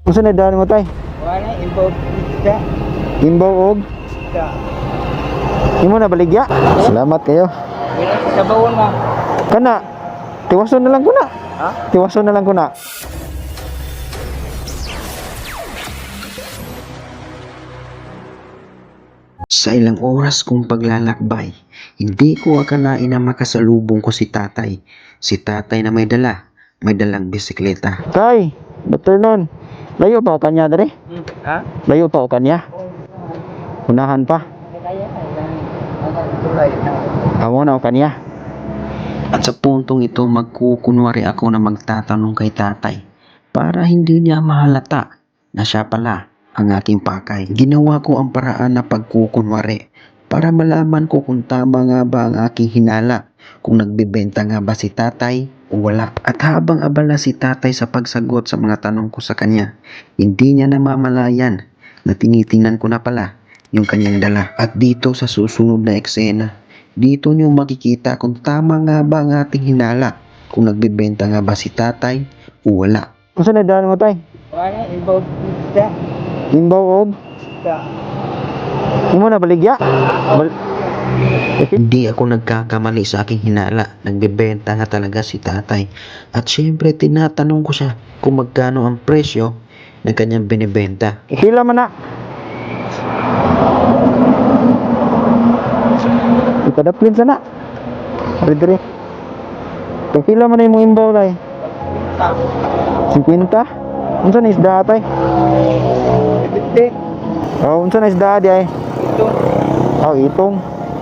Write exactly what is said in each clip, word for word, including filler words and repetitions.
Unsa na daan mo tay? Wala, imbaw isda. Imbaw og Isda. imo na baligya. Salamat kayo. Wala sa bawon ma. Kana tiwason na lang ko na. Ha? Tiwason na lang ko na. Sa ilang oras kong paglalakbay, hindi ko akalain na makasalubong ko si tatay. Si tatay na may dala, may dalang bisikleta. Tay, betul nun. Layo pa o kanya dere? Hmm. Ha? Layo pa o kanya? Unahan pa. Kaya ang tulay na. Amo na o kanya. At sa puntong ito, magkukunwari ako na magtatanong kay tatay para hindi niya mahalata na siya pala ang aking pakay. Ginawa ko ang paraan na pagkukunwari para malaman ko kung tama nga ba ang aking hinala, kung nagbebenta nga ba si tatay o wala. At habang abala si tatay sa pagsagot sa mga tanong ko sa kanya, hindi niya namamalayan na tinitingnan ko na pala yung kanyang dala. At dito sa susunod na eksena, dito niyo makikita kung tama nga ba ang ating hinala, kung nagbebenta nga ba si tatay o wala. Unsa na daan mo tay? Wala, imbaw isda. Imbaw og Isda. imo na baligya. Bal Hindi ako nagkakamali sa aking hinala. Nagbebenta nga talaga si tatay. At syempre tinatanong ko siya kung magkano ang presyo ng kanyang binibenta. Pila man na. Ikadaplin sana. Ari dire. Pila man na imong imbaw tay? fifty. Unsa na isda tay? Bitte. Oh, unsa na isda di ay? Ito. Oh, itong.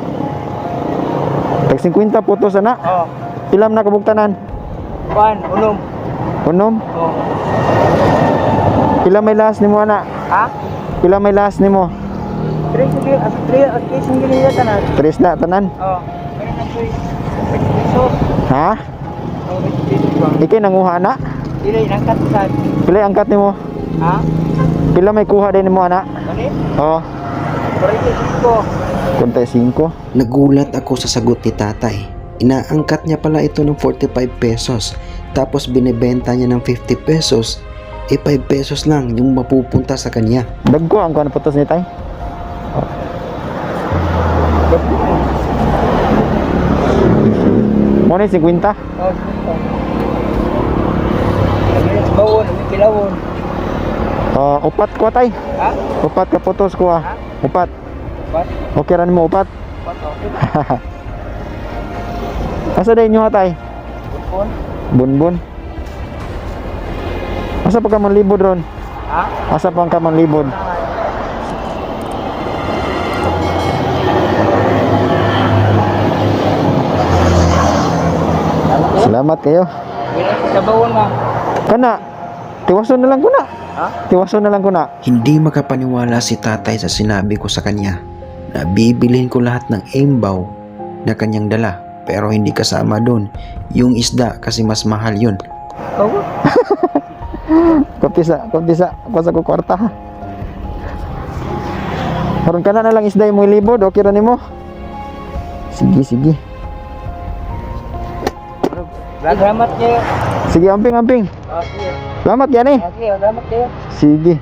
Tag fifty puto sana. Oh. Pilam na kabugtanan. Pan, unom. Unom. Oh. Pila may last nimo ana? Ha? Pila may last nimo? Tres sige, as tres at tres sige niya tanan. Tres na tanan. Oh. Kaya na tres. Pesos. Ha? Oh, pesos ba? Ikay nanguha na? Dili nang katasan. Pila angkat nimo? Ha? Pila may kuha din nimo ana? Kani? Oh, Forty-six ko. konti five. Nagulat ako sa sagot ni tatay. Inaangkat niya pala ito ng forty-five pesos. Tapos binibenta niya ng fifty pesos. Eh five pesos lang yung mapupunta sa kanya. Dagko ang kuan putos ni tay. Mo ni fifty. Oh, sige. Kami sa bawon, kami kilawon. Oh, upat ko tay. Ha? Upat ka putos ko ah. Upat. What? Okay ra nimo upat. What? Okay. Asa day nyo tay? Phone? Bunbun. Asa pa ka manlibod ron? Ha? Asa pa ka manlibod? Salamat kayo. Wala sa bawon ma. Kana tiwason na lang ko na. Ha? Tiwason na lang ko na. Hindi makapaniwala si tatay sa sinabi ko sa kanya na bibilhin ko lahat ng imbaw na kanyang dala. Pero hindi kasama doon yung isda kasi mas mahal yun. Oh. Kopisa, kopisa, pasa ko kwarta ha. Karon kana na lang isda mo libod, okay ra nimo? Sige, sige. Salamat kayo. Sige, amping, amping. Okay. Salamat yan eh. Okay, salamat kayo. Sige.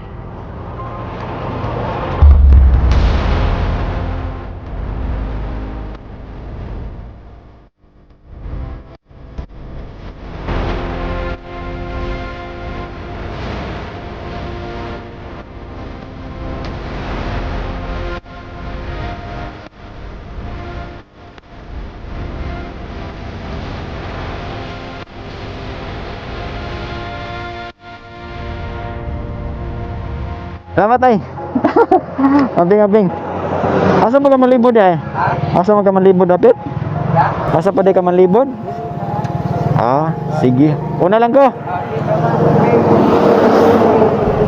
Salamat ay. Amping, amping. Asa mo ka manlibod ay? Asa mo ka manlibod dapit? Asa pa di ka manlibod? Ah, sige. Una lang ko.